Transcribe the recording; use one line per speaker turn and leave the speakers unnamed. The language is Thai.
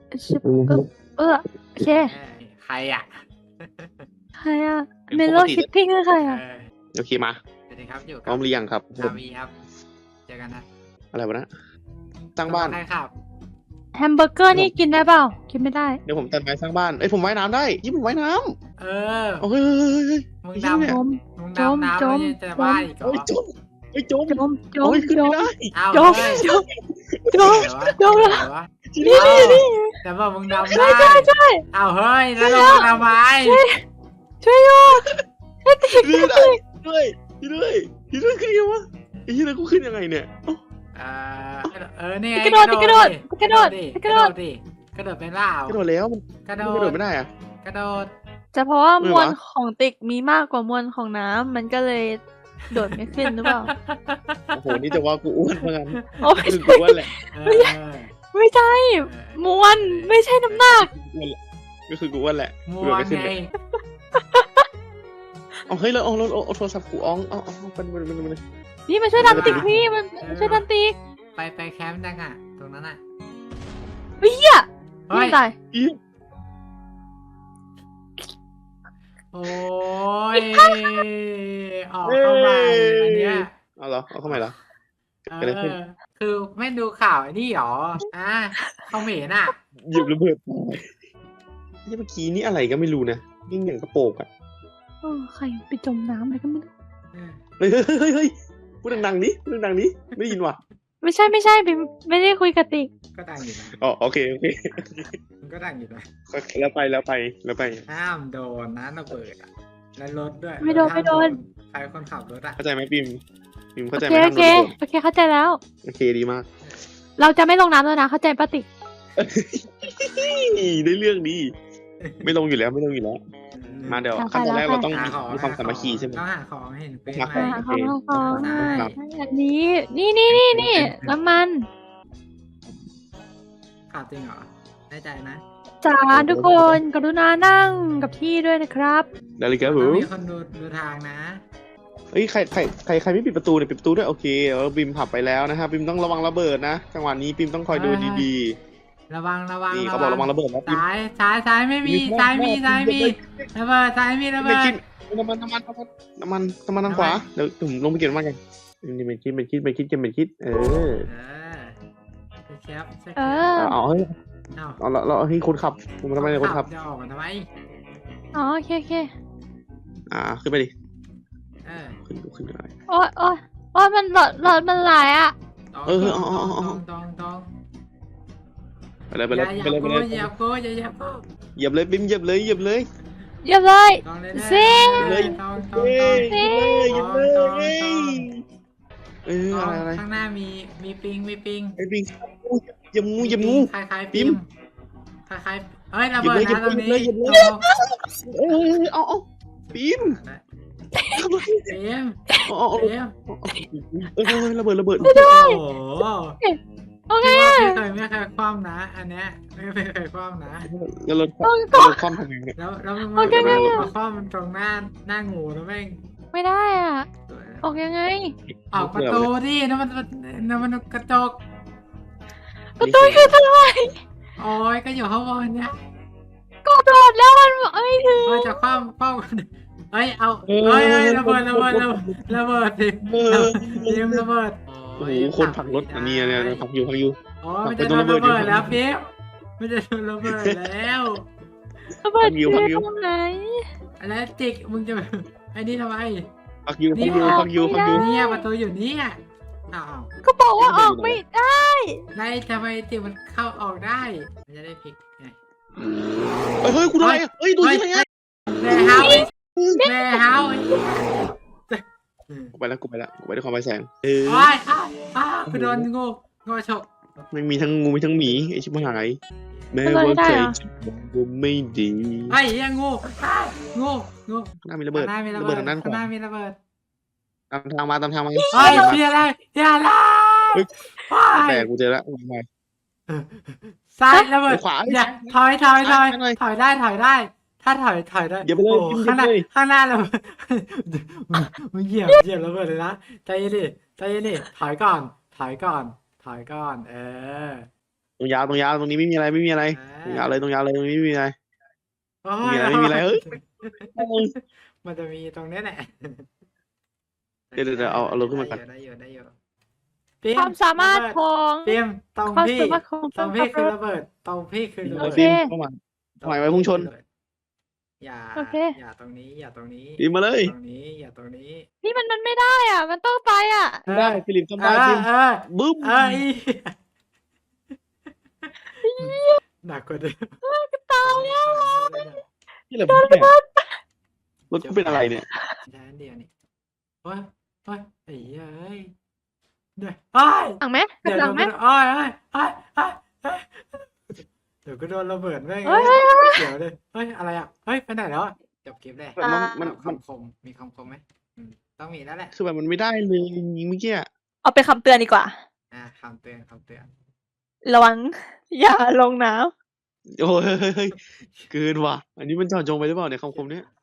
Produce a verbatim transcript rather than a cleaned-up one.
ชิบเออเออโอเค
ใครอ่ะ
ใครอะเมโลชิปปิ้งคือใครอะ
โอเคมา
สวัสดีครับอยู่
พร้อมหรือยังครับ
ชาวีครับเจอกันนะ
อะไรวะนะสร้างบ้าน
ใครครับ
แฮมเบอร์เกอร์นี่กินได้เปล่ากินไม่ได้
เดี๋ยวผมตัดไม้สร้างบ้านเอ้ยผมว่ายน้ำได้ยี่ผมว่ายน้
เออ
ำโอ้ย
มึง
จ
ดำ
จม
มึง
จม
ดำน้ำ
จม
ไม่ใช่จะบ้าอีกเหรอ
โอ้ยจมโอ้ยจม
จมจม
โอ้ยขึ้น
จ
ไม่
ม
ได้
เอา
จม
เฮ้ย
จมจม
เดี๋ยววะ
จมแล้ว
เดี๋ยววะ
นี่นี่นี่
แต่ว่ามึงดำ
ใช่
ได้
ใช่ใช่
เอาเฮ้ยแล้วลงมาทำไม
ช่วยอยู่ให้ติด
ขึ้นไม่ได้ด้วยด้วยด้วยขึ้นยังวะไอ้ยี่แล้วกูขึ้นยังไงเนี่ย
เออเออนี่ไง
กระโดดดิกระโดดกระโดด
ดิ
กระโดด
ดิกระโดดไปล่าก
ระโดดแล้วมัน
กระโด
กระโด
ด
ดไม่ได้อะ
กระโดด
จะเพราะว่า
ไม่
ม
วะ
วลของติ๊กมีมากกว่ามวลของน้ำมันก็เลยโดดไม่ขึ้นหรือเปล่า
โอ้โหนี่จะว่ากูอ้วนเหมือนกัน
โอ้ย
คือกูอ้วนแหละ
เอ
ไม่ใช่
อ
มวลไม่ใช่น้ำหนัก
ก็คือกูอ้วนแหละ
มั
กู
ว
ไม่ขึ้น
ไง
เลยเอาเฮ้ยแล้วเอาแล้วเอาโทรศัพท์กูอ้องเอาเอาเป็นเป็นเป็นเป็น
นี่มาช่วยดันติ๊กพี่มันมาช่วยดันติ๊ก
ไปไปแคมป์จังอ่ะตรงนั้นอ่ะ
เฮ้ยอ่ะ
เฮ้ย
ไม่ตาย
อี
โอ้ยออกเข้ามาอันเนี้ย
เอาเหรอเอาเข้ามาเหรอ
เอ
เกิดอะไรขึ้น
อคือไม่ดูข่าวไอ้นี่หรออ่ะเขาเหม็นอ่ะ
หยิบระเบิดนี่เมื่อกี้นี่อะไรก็ไม่รู้นะยิ่งอย่างกระโปงอ่ะ
เออใครไปจมน้ำอะไรก็ไม่รู้
เฮ้ยเฮ้ยเฮ้ยเฮ้ยพูดดังๆนี้พูดดังๆนี้ไม่ได้ยินว่ะ
ไม่ใช่ไม่ใช่บิมไม่ได้คุยกับติ๊ก
ก็ดังอยู่นะ
อ๋อโอเคโอเค
มันก็ดังอยู่นะ
แล้วไปแล้วไปแล้วไป
ห้ามโดนนะระเบิดอ่ะและรถด้วย
ไม่โดน
ห้า
ไม่โดน
ใครคนขับรถอ่ะ
เข้าใจไหมปิมปิม
โอ
เข้าใจ
เค
ไหม
โอเคโอเคเข้าใจแล้ว
โอเคดีมาก
เราจะไม่ลงน้ำแล้วนะเข้าใจปะติ๊ก
ได้เรื่องดีไม่ลงอยู่แล้วไม่ลงอยู่แล้วมาเดี๋ยวขั้นตอนแรกเราต้อง
หาของ
มีความสามัคคีใช่ไหม
ต้องหาของเห็นเป็น
หา
ไห
ของ
ม
หาของหาของ
ใช่
ครับ
อันนี้นี่นี่นี่นี่น้ำมัน
ข่าวจริงเหรอแน่ใจนะ
จ้าทุกคนกรุณานั่งกับที่ด้วยนะครับ
ได้เลยครับผ
ต้อง
ม
มีคนดูดูทางนะ
เฮ้ยใครใครใครใครไม่ปิดประตูเนี่ยปิดประตูด้วยโอเคเออปิมผับไปแล้วนะครับปิมต้องระวังระเบิดนะจังหวะนี้ปิมต้องคอยดูดี
ระวังระวัง
ๆนี่เขาบอกระวังระเบิดนะปิม
ซ้ายซ้ายซ้ายไม่มีซ้ายมีซ้ายมีระเบิดซ้ายมีระ
ไม่
เบิ
คิ
ด
ดน้ำมันน้ำมันน้ำมันน้ำมันน้ำมันทางขวาเดี๋ยวผมลงไปเก็บน้ำมันกันนี่เป็นคิดเป็นคิดเป็นคิดเก็บเป็นคิดเออ
เออเชฟเชฟ
เออ
เอาเฮ้ย
เอา
เอาเราเราให้คนขับผมทำไมเนี่ยคนขับ
จะออกมาทำไม
อ๋อโอเคโอเค
อ่าขึ้นไปดิ
เออ
ขึ้นดูขึ้นอะไร
โอ้ยโอ้ยโอ้ยมันหลอดหลอดมันไหลอ่ะ
ตอง
เออเออเอาเอาเอา
ตองตองตอง
ไปเลยไป
อ
เลย
ย่าอ
ไป
ย่า
เลยไป
โก้
เลย
อย่าโก้อย่าอย่าโก้
เหยียบเลยปิมเหยียบเลยเหยียบเลย
เยี่ยมเลย
ตองเลย
ซิ่ง
เลยตองตอง
เฮ้
ตอง
ยเหยียบเลยเหยียบเลย
ตองตอง
เออ
ตอง
อะไรอะไร
ข้างหน้ามีมีปิงมีปิง
ไอ้ปิงเหยียบงูเหยียบงู
คล้ายๆ
ปิ
ปิ
ม
มคล้ายๆเอ้ยระเบิด
หยิบ
นะ
เลย
ตรงนี้
หยิบเลยหยิบเลย เออเอาเอาปิม
ปิม
เอาเอาเอา
ปิม
เออระเบิดระเบิด
โอ้โห
โอเค
ไม่เคยไม่เคยคว่ำนะ อันเนี้ยไม่เคยคว่ำนะ
แล้วรถแล้วรถคว่ำทำไงเนี่ย
แล้วแล้วมันมามาคว่ำมันตรงหน้าหน้างูแล้วแม่ง
ไม่ได้อ่ะออกยังไง
ออกประตูดินั่นมันนั่นมันกระจก
ประตูคือทำไม
โอ้ยก็อยู่ข้างบนเนี่ย
กดโดดแล้วมันไม่ถึง
เฮ้ยจะคว่ำคว่ำเฮ้ยเอาเฮ้ยเฮ้ยระเบิดระเบิดระเบิดระเบิดดิ
เออ
เตรียมระเบิด
โอ้โหคนผลักรถอันนี้เนี่ยผลักอยู่ผลักอยู่
โอ้ยมันจะโดนระเบิดแล้วเป๊ะมันจะโดนระเบิดแล้ว
ระเบิดที่ตรงไหน
อะไรจิกมึงจะไอ้นี่ทำไม
ผลักอยู่ผลักอยู่ผลักอยู่ผลักอยู่
เนี่ยประตูอยู่เนี่ยอ้าว
ก็บอกว่าออกไม่ได้
ไล่ทำไมจิกมันเข้าออกได้มันจะได้พลิกไง
เฮ้ยกูได้เฮ้ยดูที่ไหนอ่ะ
แม่เฮาแม่เฮา
กูไปแล้วกูไปแล้วกูไปด้วยความไฟแสงเออ
โอ้ยอ้าวอ้าวกูโดนงูงูฉก
ไม่มีทั้งงูมีทั้งหมีไอชิบหายแม้ว่าใจกูไม่ดี
ไอ้ยังงูงูงู
หน้ามีระเบิด
หน้ามีระ
ระ
เบิ
เบิ
ด
ดทางด้านข
ข้างห
วา
น้ามีระเบิด
ตามทางมาตามทางมา
เฮ้ยเสียอะไรเสียอะไร
แต่กูเจอแล้วมา
ซ้ายระเบิด
ขวา
อย่าถอยถอยถอย
หน่อย
ถอยได้ถอยได้ ถ้าถอยถอยได้
อย่าไปเลย
โอ้
อย่า
ข้างหน้า
ไปเลย
ข้างหน้าระเบิดมึงเหยียบเหยียบระเบิดเลยนะใจเย็นดิใจเย็นดิถอยก่อน ถอยก่อน ถอยก่อน เออ
ตรงยาวตรงยาวตรงนี้ไม่มีอะไรไม่มีอะไร
เออ
ตรงยาวเลยตรงยาวเลยตรงนี้ไม่มีอะไร
โอ้
ไม่
ย
มีอะไรไม่มีอะไรเฮ้ย
มันจะมีตรงเนี้ยแหละ
เดี๋ยวเดี๋ยวเดี๋ยวเอาเอาลงขึ้นมาก่อน
ได้อยู่ได้อยู่ได้อยู่
ความสามารถของ
เตรียมตรง
ความ
พี่
สามารถของ
ตรงพี่คือระเบิดตรงพี่คือระ
เอา
เบิด
ฟิล์มเข้ามา หมายไว้พุ่งชน
อย่า
โอเค
อย่าตรงนี้อย่าตรงนี้
ฟิล์มมาเลย
ตรงนี้อย่าตรงนี้
นี่มันมันไม่ได้อ่ะ มันต้องไปอ่ะ
ได้ฟิลิปทำได้ฟิล์ม
เออ
บึ้ม
เออเออหนักกว่าเดิม
ตายแล้ว
นี่แหละผมเนี่ยรถกูเป็นอะไรเนี่ย
ใช้อันเดียวนี่โอ้ยโอ้ยไอ้เหี้ยเอ้ยเดี๋ยวไอ้ย
หลังไหม
เดี๋ยว
หลั
เดี๋ยว
งไหม
โอ้ยโอ้ยโอ้ยโอ้ยโอ้ยเดี๋ยวก็โดนระเบิดแม่ง
เฮ้ยเฮ้ยเฮ้ย
เดี๋ยวเลยเฮ้ยอะไรอ่ะเฮ้ยไปไหนแล้วอะจบคลิปเลย
มันมันมัน
คำคมมีคำคมไหมอืมต้องมีแล้วแหละ
คือแบบมันไม่ได้เลยจริงๆเมื่อกี้อะ
เอาเป็นคำเตือนดีกว่า
อ่าคำเตือนคำเตือน
ระวัง อย่าลงน้
โอ้ยเฮ้ยเฮ้ยเกินว่ะ อันนี้มันเจาะจงไปหรือเปล่าเนี่ยคำคมเนี้ย